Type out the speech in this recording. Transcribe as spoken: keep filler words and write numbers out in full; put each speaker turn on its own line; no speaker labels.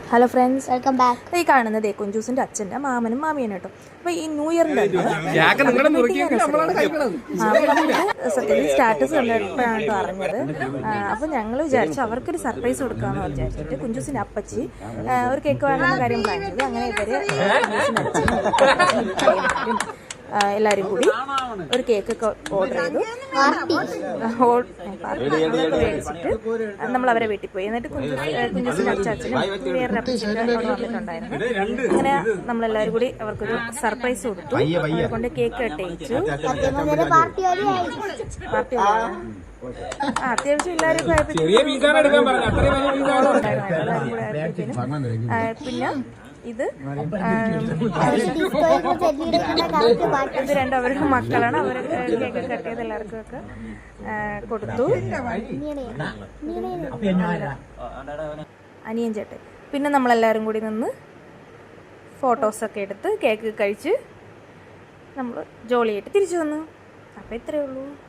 Hello friends,
welcome back.
ഈ കാണുന്നത് കുഞ്ചൂസിന്റെ അച്ഛൻ്റെ മാമനും മാമിയാണ് കേട്ടോ. അപ്പോൾ ഈ ന്യൂ ഇയറിൻ്റെ സത്യത്തിൽ സ്റ്റാറ്റസ് കണ്ടപ്പോഴാണ് കേട്ടോ അറിഞ്ഞത്. അപ്പോൾ ഞങ്ങൾ വിചാരിച്ചു അവർക്കൊരു സർപ്രൈസ് കൊടുക്കാമെന്ന് വിചാരിച്ചിട്ട് കുഞ്ചൂസിൻ്റെ അപ്പച്ചി ഒരു കേക്ക് വേണമെന്ന കാര്യം പ്ലാൻ ചെയ്തു. അങ്ങനെ ഇവർ എല്ലാവരും കൂടി ഒരു കേക്കൊക്കെ ഓർഡർ ചെയ്തു. മേടിച്ചിട്ട് നമ്മൾ അവരെ വീട്ടിൽ പോയി. എന്നിട്ട് കുഞ്ചു കുഞ്ചൂസിൻ്റെ അച്ചാച്ചനും വേറൊരു അപ്പച്ചനും അവിടെ വന്നിട്ടുണ്ടായിരുന്നു. അങ്ങനെ നമ്മളെല്ലാവരും കൂടി അവർക്കൊരു സർപ്രൈസ് കൊടുത്തു. അവരെ കൊണ്ട് കേക്ക് കെട്ടിച്ചു. പാർട്ടി അത്യാവശ്യം എല്ലാവരും പിന്നെ ഇത് ഇത് രണ്ടും അവരുടെ മക്കളാണ്. അവർ കേക്ക് കട്ട് ചെയ്ത് എല്ലാവർക്കും ഒക്കെ കൊടുത്തു. അനിയൻ ചേട്ടൻ പിന്നെ നമ്മളെല്ലാവരും കൂടി നിന്ന് ഫോട്ടോസൊക്കെ എടുത്ത് കേക്ക് കഴിച്ച് നമ്മൾ ജോളിയായിട്ട് തിരിച്ചു വന്നു. അപ്പോൾ ഇത്രയേ ഉള്ളൂ.